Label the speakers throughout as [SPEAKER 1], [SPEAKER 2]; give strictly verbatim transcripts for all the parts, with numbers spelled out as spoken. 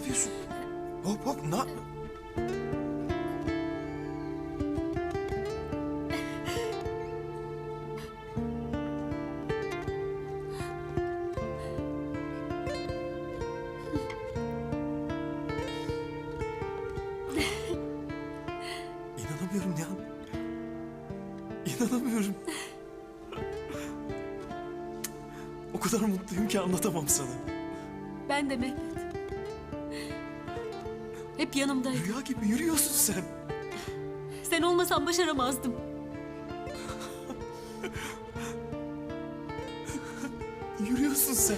[SPEAKER 1] yapıyorsun? Hop hop ne? İnanamıyorum Nihan. İnanamıyorum. O kadar mutluyum ki anlatamam sana.
[SPEAKER 2] Ben de Mehmet. Hep yanımdaydın.
[SPEAKER 1] Rüya gibi yürüyorsun sen.
[SPEAKER 2] Sen olmasan başaramazdım.
[SPEAKER 1] Yürüyorsun sen.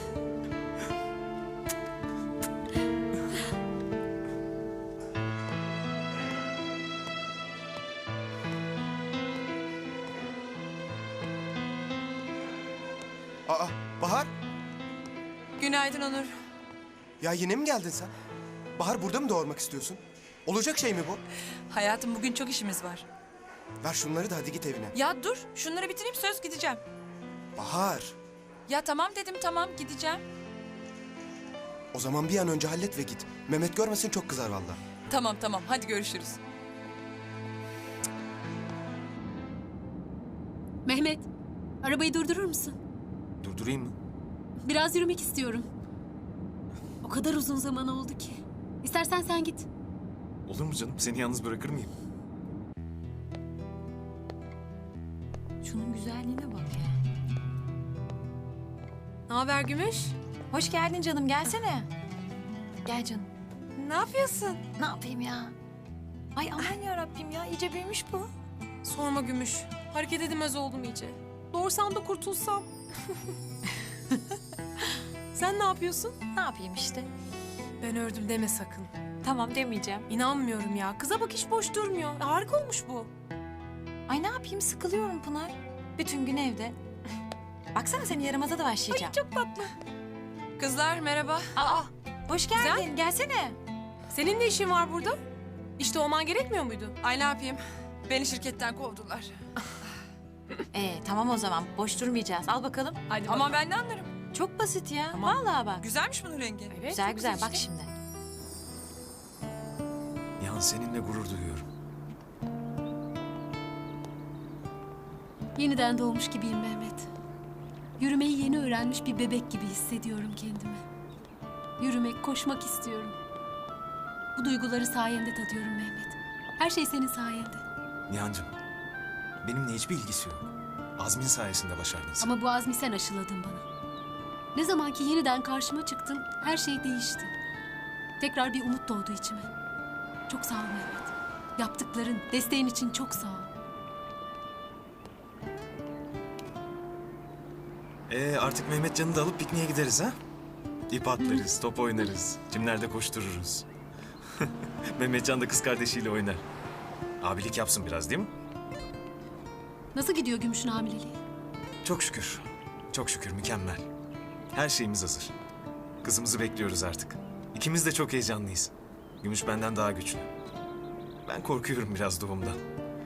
[SPEAKER 1] Aa, Bahar.
[SPEAKER 3] Günaydın Onur.
[SPEAKER 1] Ya yine mi geldin sen? Bahar burada mı doğurmak istiyorsun? Olacak şey mi bu?
[SPEAKER 3] Hayatım bugün çok işimiz var.
[SPEAKER 1] Ver şunları da hadi git evine.
[SPEAKER 3] Ya dur şunları bitireyim söz gideceğim.
[SPEAKER 1] Bahar.
[SPEAKER 3] Ya tamam dedim tamam gideceğim.
[SPEAKER 1] O zaman bir an önce hallet ve git. Mehmet görmesin çok kızar vallahi.
[SPEAKER 3] Tamam tamam hadi görüşürüz.
[SPEAKER 2] Mehmet, arabayı durdurur musun?
[SPEAKER 1] Durdurayım mı?
[SPEAKER 2] Biraz yürümek istiyorum. O kadar uzun zaman oldu ki. İstersen sen git.
[SPEAKER 4] Olur mu canım? Seni yalnız bırakır mıyım?
[SPEAKER 5] Şunun güzelliğine bak ya.
[SPEAKER 3] Ne haber Gümüş?
[SPEAKER 5] Hoş geldin canım, gelsene. Gel canım.
[SPEAKER 3] Ne yapıyorsun?
[SPEAKER 5] Ne yapayım ya? Ay aman ya Rabbim ya, iyice büyümüş bu.
[SPEAKER 6] Sorma Gümüş. Hareket edemez oldum iyice. Doğursam da kurtulsam. Sen ne yapıyorsun?
[SPEAKER 5] Ne yapayım işte?
[SPEAKER 6] Ben ördüm deme sakın.
[SPEAKER 5] Tamam demeyeceğim.
[SPEAKER 6] İnanmıyorum ya. Kıza bak hiç boş durmuyor. Harika olmuş bu.
[SPEAKER 5] Ay ne yapayım, sıkılıyorum Pınar. Bütün gün evde. Baksana senin yaramaza da başlayacağım.
[SPEAKER 6] Çok tatlı.
[SPEAKER 3] Kızlar merhaba.
[SPEAKER 5] Aa, hoş geldin,
[SPEAKER 6] Güzel.
[SPEAKER 5] gelsene.
[SPEAKER 6] Senin ne işin var burada? İşte olman gerekmiyor muydu?
[SPEAKER 3] Ay ne yapayım? Beni şirketten kovdular.
[SPEAKER 5] Ee, tamam o zaman, boş durmayacağız. Al bakalım.
[SPEAKER 6] Hadi
[SPEAKER 3] Ama
[SPEAKER 6] bakalım.
[SPEAKER 3] ben de anlarım.
[SPEAKER 5] Çok basit ya,
[SPEAKER 6] Tamam.
[SPEAKER 5] vallahi bak.
[SPEAKER 3] Güzelmiş bunun rengi.
[SPEAKER 6] Evet,
[SPEAKER 5] Güzel
[SPEAKER 6] çok
[SPEAKER 5] güzel, bak
[SPEAKER 6] işte.
[SPEAKER 5] şimdi.
[SPEAKER 4] Nihan seninle gurur duyuyorum.
[SPEAKER 2] Yeniden doğmuş gibiyim Mehmet. Yürümeyi yeni öğrenmiş bir bebek gibi hissediyorum kendimi. Yürümek, koşmak istiyorum. Bu duyguları sayende tadıyorum Mehmet. Her şey senin sayende.
[SPEAKER 4] Nihancığım, benimle hiçbir ilgisi yok. Azmin sayesinde başardın sen.
[SPEAKER 2] Ama bu azmi sen aşıladın bana. Ne zaman ki yeniden karşıma çıktın, her şey değişti. Tekrar bir umut doğdu içime. Çok sağ ol Mehmet. Yaptıkların, desteğin için çok sağ ol.
[SPEAKER 4] Ee, artık Mehmetcan'ı da alıp pikniğe gideriz ha? İp atlarız, top oynarız, çimlerde koştururuz. Mehmetcan da kız kardeşiyle oynar. Abilik yapsın biraz değil mi?
[SPEAKER 2] Nasıl gidiyor Gümüş'ün hamileliği?
[SPEAKER 4] Çok şükür, çok şükür mükemmel. Her şeyimiz hazır. Kızımızı bekliyoruz artık. İkimiz de çok heyecanlıyız. Gümüş benden daha güçlü. Ben korkuyorum biraz doğumdan.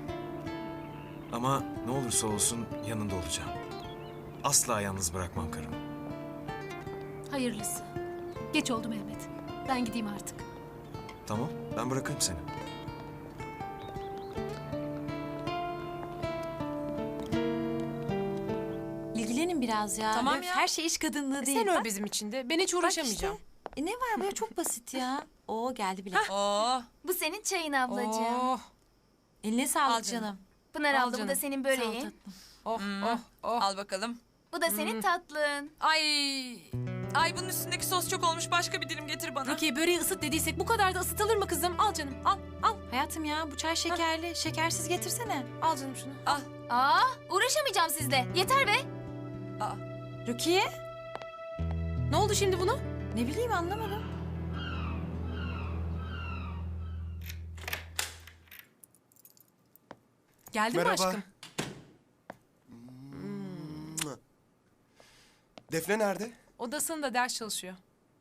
[SPEAKER 4] Ama ne olursa olsun yanında olacağım. Asla yalnız bırakmam karımı.
[SPEAKER 2] Hayırlısı. Geç oldu Mehmet. Ben gideyim artık.
[SPEAKER 4] Tamam, ben bırakırım seni.
[SPEAKER 5] İlgilenin biraz ya.
[SPEAKER 3] Tamam
[SPEAKER 5] Öf,
[SPEAKER 3] ya.
[SPEAKER 5] Her şey iş kadınlığı değil.
[SPEAKER 6] Sen
[SPEAKER 5] Bak,
[SPEAKER 6] öl bizim için de. Ben hiç
[SPEAKER 5] bak
[SPEAKER 6] uğraşamayacağım.
[SPEAKER 5] işte. E ne var böyle, çok basit ya. Oo geldi bile.
[SPEAKER 3] Oo.
[SPEAKER 7] Bu senin çayın ablacığım.
[SPEAKER 6] Oh,
[SPEAKER 5] Eline sağlık
[SPEAKER 3] Al canım.
[SPEAKER 5] canım.
[SPEAKER 7] Pınar
[SPEAKER 6] Al
[SPEAKER 7] abla bu
[SPEAKER 6] canım.
[SPEAKER 7] da senin
[SPEAKER 2] Sağ ol
[SPEAKER 7] böreğin.
[SPEAKER 2] tatlım.
[SPEAKER 6] oh,
[SPEAKER 3] Hmm.
[SPEAKER 6] oh, oh.
[SPEAKER 3] Al bakalım.
[SPEAKER 7] Bu da senin tatlın.
[SPEAKER 3] Ay. Ay bunun üstündeki sos çok olmuş. Başka bir dilim getir bana.
[SPEAKER 6] Rukiye böreği ısıt dediysek bu kadar da ısıtılır mı kızım? Al canım, al, al.
[SPEAKER 5] Hayatım ya, bu çay şekerli. Şekersiz getirsene.
[SPEAKER 6] Al canım şunu.
[SPEAKER 3] Al.
[SPEAKER 7] Aa, uğraşamayacağım sizle. Yeter be.
[SPEAKER 3] Aa.
[SPEAKER 5] Rukiye?
[SPEAKER 6] Ne oldu şimdi buna?
[SPEAKER 5] Ne bileyim, anlamadım.
[SPEAKER 6] Geldin
[SPEAKER 1] Merhaba.
[SPEAKER 6] mi aşkım?
[SPEAKER 1] Defne nerede?
[SPEAKER 6] Odasında ders çalışıyor.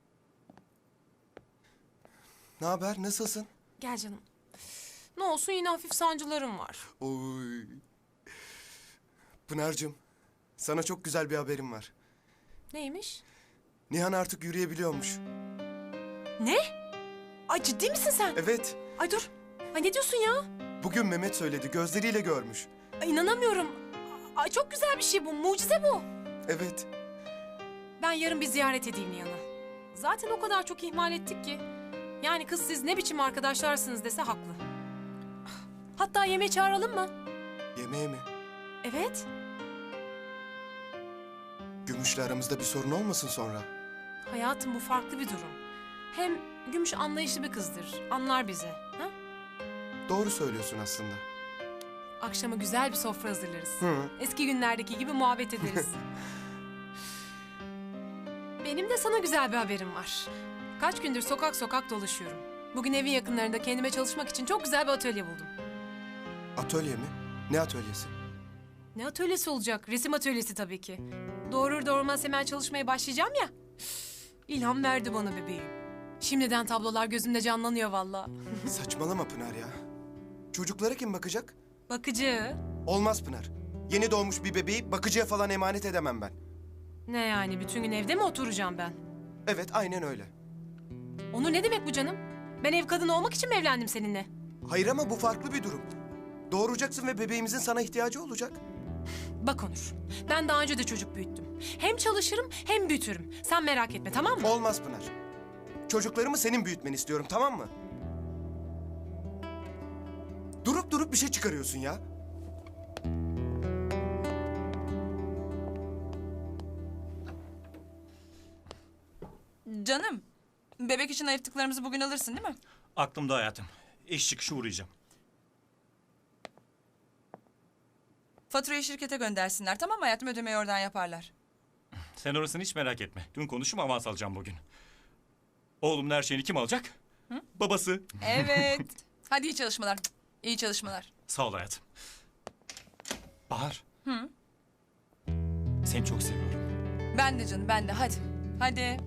[SPEAKER 1] Ne haber? Nasılsın?
[SPEAKER 6] Gel canım. Ne olsun yine hafif sancılarım var.
[SPEAKER 1] Oy. Pınar'cığım, sana çok güzel bir haberim var.
[SPEAKER 6] Neymiş?
[SPEAKER 1] Nihan artık yürüyebiliyormuş.
[SPEAKER 6] Ne? Ay ciddi misin sen?
[SPEAKER 1] Evet.
[SPEAKER 6] Ay dur. Ay ne diyorsun ya?
[SPEAKER 1] Bugün Mehmet söyledi. Gözleriyle görmüş.
[SPEAKER 6] Ay inanamıyorum. Ay çok güzel bir şey bu. Mucize bu.
[SPEAKER 1] Evet.
[SPEAKER 6] Ben yarın bir ziyaret edeyim Nihan'ı. Zaten o kadar çok ihmal ettik ki. Yani kız siz ne biçim arkadaşlarsınız dese haklı. Hatta yemeğe çağıralım mı?
[SPEAKER 1] Yemeğe mi?
[SPEAKER 6] Evet.
[SPEAKER 1] Gümüş'le aramızda bir sorun olmasın sonra.
[SPEAKER 6] Hayatım bu farklı bir durum. Hem Gümüş anlayışlı bir kızdır. Anlar bizi. Ha?
[SPEAKER 1] Doğru söylüyorsun aslında.
[SPEAKER 6] Akşama güzel bir sofra hazırlarız.
[SPEAKER 1] Hı.
[SPEAKER 6] Eski günlerdeki gibi muhabbet ederiz. Benim de sana güzel bir haberim var. Kaç gündür sokak sokak dolaşıyorum. Bugün evin yakınlarında kendime çalışmak için çok güzel bir atölye buldum.
[SPEAKER 1] Atölye mi? Ne atölyesi?
[SPEAKER 6] Ne atölyesi olacak? Resim atölyesi tabii ki. Doğurur doğurmaz hemen çalışmaya başlayacağım ya. İlham verdi bana bebeğim. Şimdiden tablolar gözümde canlanıyor vallahi.
[SPEAKER 1] Saçmalama Pınar ya. Çocuklara kim bakacak?
[SPEAKER 6] Bakıcı.
[SPEAKER 1] Olmaz Pınar. Yeni doğmuş bir bebeği bakıcıya falan emanet edemem ben.
[SPEAKER 6] Ne yani bütün gün evde mi oturacağım ben?
[SPEAKER 1] Evet, aynen öyle.
[SPEAKER 6] Onu ne demek bu canım? Ben ev kadını olmak için mi evlendim seninle?
[SPEAKER 1] Hayır ama bu farklı bir durum. Doğuracaksın ve bebeğimizin sana ihtiyacı olacak.
[SPEAKER 6] Bak Onur, ben daha önce de çocuk büyüttüm. Hem çalışırım hem büyütürüm. Sen merak etme tamam mı?
[SPEAKER 1] Olmaz Pınar. Çocuklarımı senin büyütmeni istiyorum, tamam mı? Durup durup bir şey çıkarıyorsun ya.
[SPEAKER 3] Canım, bebek için ayırttıklarımızı bugün alırsın değil mi?
[SPEAKER 8] Aklımda hayatım. İş çıkışı uğrayacağım.
[SPEAKER 3] Faturayı şirkete göndersinler tamam mı hayatım? Ödemeyi oradan yaparlar.
[SPEAKER 8] Sen orasını hiç merak etme. Dün konuştum, avans alacağım bugün. Oğlumun her şeyini kim alacak? Babası.
[SPEAKER 3] Evet. Hadi iyi çalışmalar. İyi çalışmalar.
[SPEAKER 8] Sağ ol hayatım. Bahar. Hı? Seni çok seviyorum.
[SPEAKER 3] Ben de canım ben de hadi. Hadi.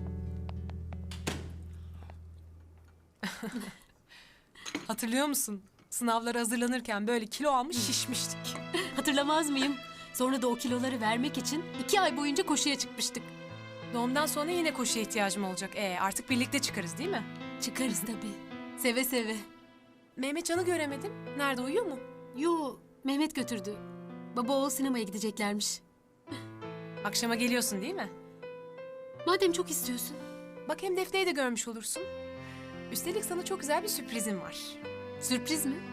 [SPEAKER 6] Hatırlıyor musun? Sınavlara hazırlanırken böyle kilo almış şişmiştik.
[SPEAKER 2] Hatırlamaz mıyım? Sonra da o kiloları vermek için iki ay boyunca koşuya çıkmıştık.
[SPEAKER 6] Doğumdan sonra yine koşuya ihtiyacım olacak. Ee, artık birlikte çıkarız değil mi?
[SPEAKER 2] Çıkarız tabii. Seve seve.
[SPEAKER 6] Mehmetcan'ı göremedim. Nerede uyuyor mu?
[SPEAKER 2] Yo, Mehmet götürdü. Baba oğul sinemaya gideceklermiş.
[SPEAKER 6] Akşama geliyorsun değil mi?
[SPEAKER 2] Madem çok istiyorsun.
[SPEAKER 6] Bak hem Defne'yi de görmüş olursun. Üstelik sana çok güzel bir sürprizim var.
[SPEAKER 2] Sürpriz mi?